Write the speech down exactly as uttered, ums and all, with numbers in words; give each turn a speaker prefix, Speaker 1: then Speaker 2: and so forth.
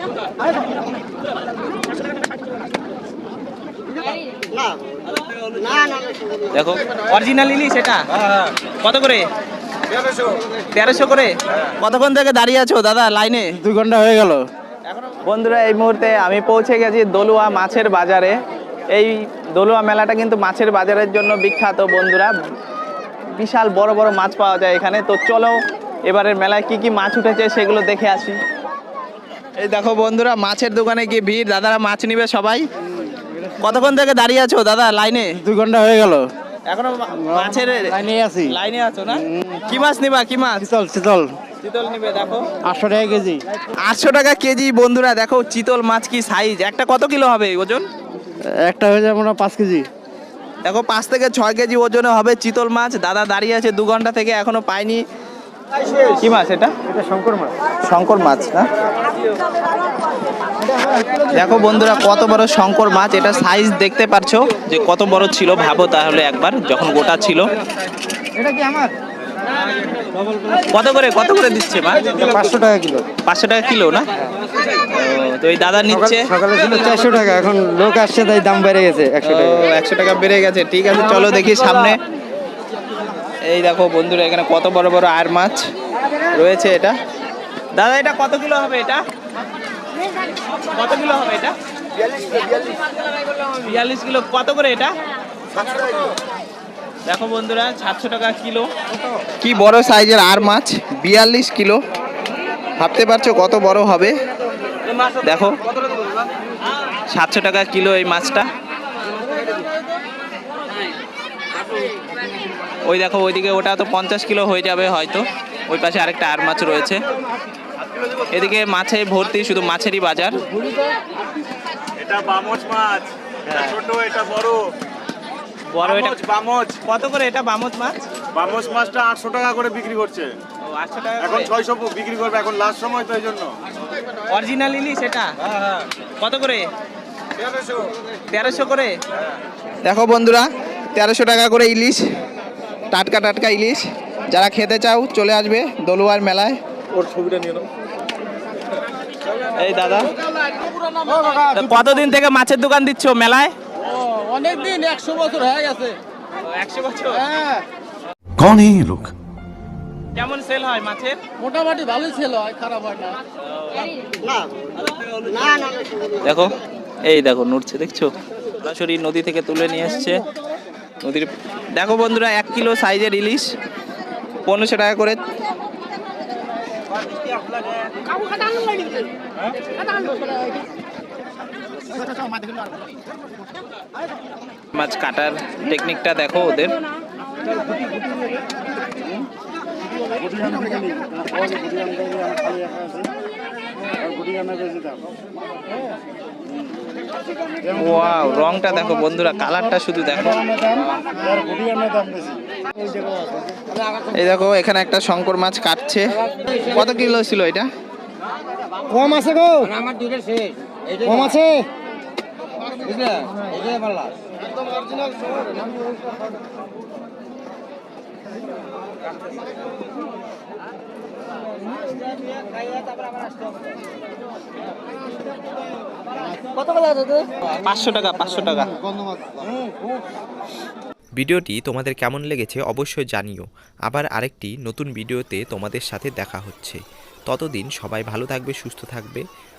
Speaker 1: দেখো অরিজিনাল ইলিশ এটা কত করে? তেরোশো করে। কতক্ষণ থেকে দাঁড়িয়ে আছো দাদা লাইনে?
Speaker 2: দুই ঘন্টা হয়ে গেল।
Speaker 1: বন্ধুরা এই মুহূর্তে আমি পৌঁছে গেছি দলুয়া মাছের বাজারে। এই দলুয়া মেলাটা কিন্তু মাছের বাজারের জন্য বিখ্যাত বন্ধুরা। বিশাল বড় বড় মাছ পাওয়া যায় এখানে। তো চলো এবারের মেলায় কি কি মাছ উঠেছে সেগুলো দেখে আসি। এই দেখো বন্ধুরা মাছের দোকানে কি ভিড়, দাদারা মাছ নিবে সবাই। কতক্ষণ থেকে দাঁড়িয়ে আছো দাদা লাইনে?
Speaker 2: দুই ঘন্টা হয়ে গেল।
Speaker 1: এখনো মাছের
Speaker 2: লাইনে আছি।
Speaker 1: লাইনে আছো না? কি মাছ নিবা? কি মাছ?
Speaker 2: চিতল চিতল
Speaker 1: চিতল নিবে। দেখো
Speaker 2: আটশো টাকা কেজি।
Speaker 1: আটশো টাকা কেজি বন্ধুরা। দেখো চিতল মাছ কি সাইজ, একটা কত কিলো হবে ওজন?
Speaker 2: একটা হয়ে যাবে না পাঁচ কেজি।
Speaker 1: দেখো পাঁচ থেকে ছয় কেজি ওজনে হবে চিতল মাছ। দাদা দাঁড়িয়ে আছে দু ঘন্টা থেকে, এখনো পাইনি। কি মাছ এটা?
Speaker 2: এটা শঙ্কর মাছ।
Speaker 1: শঙ্কর মাছ না? দেখো বন্ধুরা কত বড় শঙ্কর মাছ। এটা সাইজ দেখতে পারছো যে কত বড় ছিল। ভাবো তাহলে একবার যখন গোটা ছিল।
Speaker 2: এটা কি আমার?
Speaker 1: কত করে কত করে দিচ্ছে মাছ?
Speaker 2: পাঁচশো টাকা কিলো।
Speaker 1: পাঁচশো টাকা কিলো না? তো এই দাদা নিচ্ছে।
Speaker 2: সকালে ছিল চারশো টাকা, এখন লোক আসছে তাই দাম বেড়ে গেছে একশো টাকা।
Speaker 1: একশো টাকা বেড়ে গেছে। ঠিক আছে চলো দেখি সামনে। এই দেখো বন্ধুরা এখানে কত বড় বড় আর মাছ রয়েছে। এটা দাদা এটা কত কিলো হবে? এটা কত কিলো হবে? এটা বিয়াল্লিশ কিলো। কত করে এটা? দেখো বন্ধুরা সাতশো টাকা কিলো। কি বড় সাইজের আর মাছ, বিয়াল্লিশ কিলো। ভাবতে পারছো কত বড় হবে। দেখো সাতশো টাকা কিলো এই মাছটা। ওই দেখো ওইদিকে ওটা তো পঞ্চাশ কিলো হয়ে যাবে হয়তো। ওই পাশে আরেকটা আর মাছ রয়েছে। এদিকে মাছে ভর্তি, শুধু মাছেরই বাজার।
Speaker 3: এটা বামচ মাছ, এটা ছোট, এটা বড়।
Speaker 1: বড় এটা
Speaker 3: বামচ।
Speaker 1: কত করে এটা বামচ মাছ?
Speaker 3: বামচ মাছটা আটশো টাকা করে বিক্রি করছে।
Speaker 1: ও আটশো টাকা
Speaker 3: এখন
Speaker 1: করে।
Speaker 3: ছয়শো বিক্রি করবে, এখন লাস্ট সময় তো এই জন্য।
Speaker 1: অরিজিনাল ইলিশ এটা কত করে? তেরোশো করে। দেখো বন্ধুরা তেরোশো টাকা করে ইলিশ, টাটকা টাটকা ইলিশ। যারা খেতে চাও চলে আসবে দলুয়ার মেলায়।
Speaker 3: ওর ছবিটা নিয়ে নাও।
Speaker 1: এই দাদা কতদিন থেকে মাছের দোকান দিচ্ছ মেলায়?
Speaker 2: অনেক দিন, একশো বছর হয়ে গেছে।
Speaker 1: একশো বছর।
Speaker 2: হ্যাঁ।
Speaker 4: कौन है ये लोग?
Speaker 1: কেমন সেল হয় মাছের?
Speaker 2: মোটামুটি ভালোই ছিল, খারাপ হয় না।
Speaker 1: দেখো এই দেখো নড়ছে, দেখছো? সরাসরি নদী থেকে তুলে নিয়ে এসছে নদীর। দেখো বন্ধুরা এক কিলো সাইজের ইলিশ পনেরোশো টাকা করে। মাছ কাটার টেকনিকটা দেখো ওদের। ওয়াও রংটা দেখো বন্ধুরা, কালারটা শুধু দেখো। এই দেখো এখানে একটা শঙ্কর মাছ কাটছে। কত কিলো ছিল এটা?
Speaker 2: কম আছে গো, আমার দুটো শেষ। কম আছে বুঝলে, এটাই ভালো একদম অরিজিনাল শহর। কত করে আছে?
Speaker 1: পাঁচশো টাকা। পাঁচশো টাকা।
Speaker 5: ভিডিওটি তোমাদের কেমন লেগেছে অবশ্যই জানিও। আবার আরেকটি নতুন ভিডিওতে তোমাদের সাথে দেখা হচ্ছে। ততদিন সবাই ভালো থাকবে, সুস্থ থাকবে।